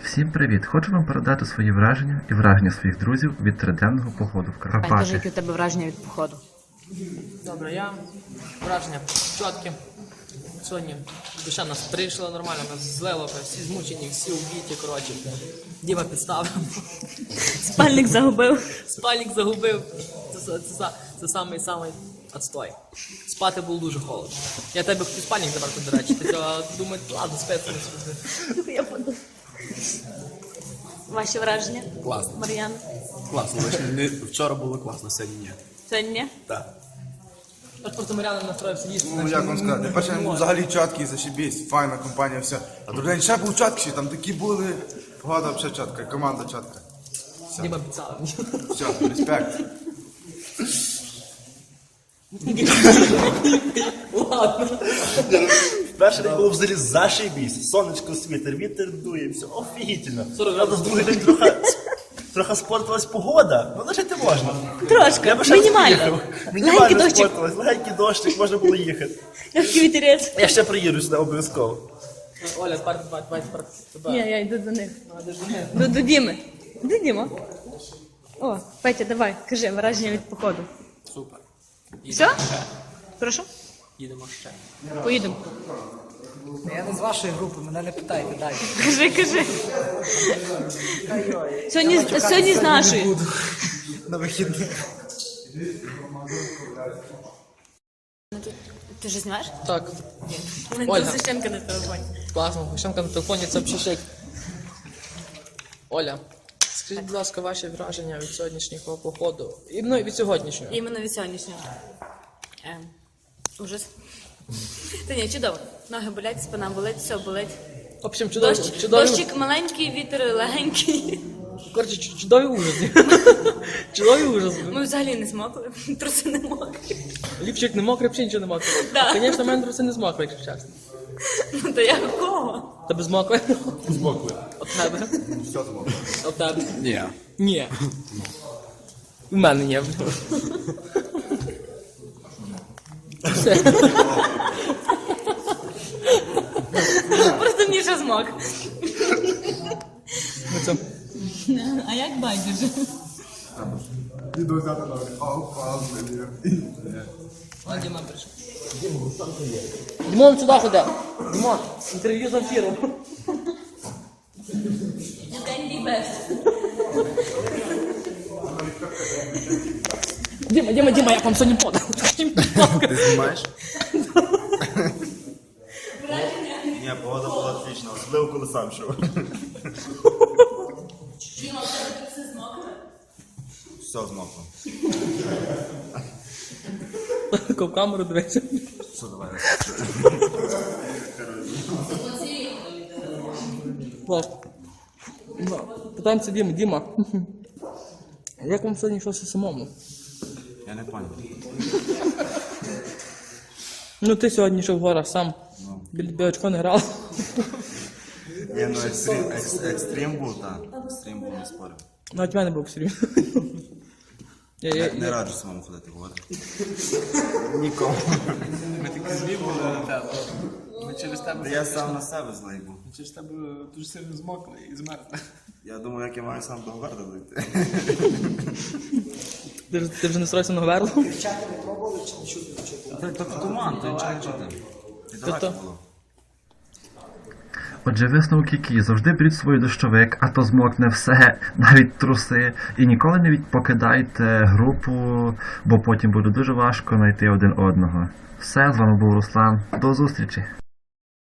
Всім привіт! Хочу вам передати свої враження і враження своїх друзів від триденного походу в Кажи, Карпати. які у тебе враження від походу? Добре, враження чіткі. Сьогодні душа нас прийшла нормально, нас злило, всі змучені, всі убиті, коротше. Діма підставив, Спальник загубив. спальник загубив. Це самий отстой. Спати було дуже холодно. Я тебе хотів спальник забрати, до речі. Ти думаю, ладно, спеціально. Я подумала. Ваші враження? Класно. Мар'яна? Класно. Вчора було класно, сьогодні ні. Сьогодні ні? Так. Аж просто Мар'яна настроївся їсти. Ну, як вам сказати, перший день був взагалі чіткий, зашибісь, файна компанія, все. А другий день ще був чіткіший, там такі були, погода взагалі чітка, команда чітка. Діма підставив. Все, респект. Ладно. Перший день було взагалі зашибісь. Сонечко світер, вітер дує, все офігітельно. 40 Правда, з другий день трохи спортилась погода, ну лишити можна. Трошки, Я би ще мінімально. поїхав. Легенький Мінімально дощик. спортилась, легенький дощик, можна було їхати. Легкий вітерець. Я ще приїду сюди обов'язково. Оля, давай, тебе. Ні, я йду до них. До Діми. Де Діма? О, Петя, давай, кажи, враження від походу. Супер. Все? Прошу? Їдемо ще. Поїдемо. Я не з вашої групи, мене не питайте далі. Кажи. Сьогодні з нашої. На вихідних. Ти вже знімаєш? Так, У мене Ольга. тут Священка на телефоні. класно. Гущенка на телефоні, це взагалі шик. Оля, скажіть, будь ласка, ваші враження від сьогоднішнього походу. І від сьогоднішнього. Іменно від сьогоднішнього. Ужас. Та ні, чудово. Ноги болять, спина болить, все болить. В общем, чудові, Дощик маленький, вітер легенький. коротше, чудові ужаси. Чудові ужаси. Ми взагалі не змокли, труси не мокрі. Ліпчик не мокрий, взагалі нічого не мокрий. Да. Звісно, в мене труси не змокли, якщо чесно. Ну то я кого? Тебе змокли? Змокли. От тебе? Все змокло. От тебе? Ні. Ні. У мене є. Все. Просто Міша змок. Ну, це. А як байдуже? Іду взяти ноги. А, Діма прийшов. Дімон сюди ходи. Дімон, інтерв'ю з ефіром. Діма, як вам сьогодні подав? Ти знімаєш? Ні, погода була отлічна, особливо коли сам йшов. Все змокло. Тако в камеру дивиться. Все, давай. Питаємося Діма. Як вам сьогодні йшлося самому? Я не понял. Ну ти сьогодні йшов в горах сам. Біля білочко не грав. Ні, ну екстрим був, так. Екстрим був, не спорив. Навіть в мене був серйозно. Не раджу самому ходити в гори. Нікому. Ми такі злі були на тебе. Ми через тебе. Я сам на себе злий був. Через тебе дуже сильно змокли і змерзли. Я думав, як я маю сам до Говарда дойти. Ти вже не строївся на Говерло? Чати не пробували чи не чути? Тобто туман, то нічого не чути. І далеко було. Отже, висновок який? Завжди беріть свій дощовик, а то змокне все, навіть труси. І ніколи не покидайте групу, бо потім буде дуже важко знайти один одного. Все, з вами був Руслан. До зустрічі!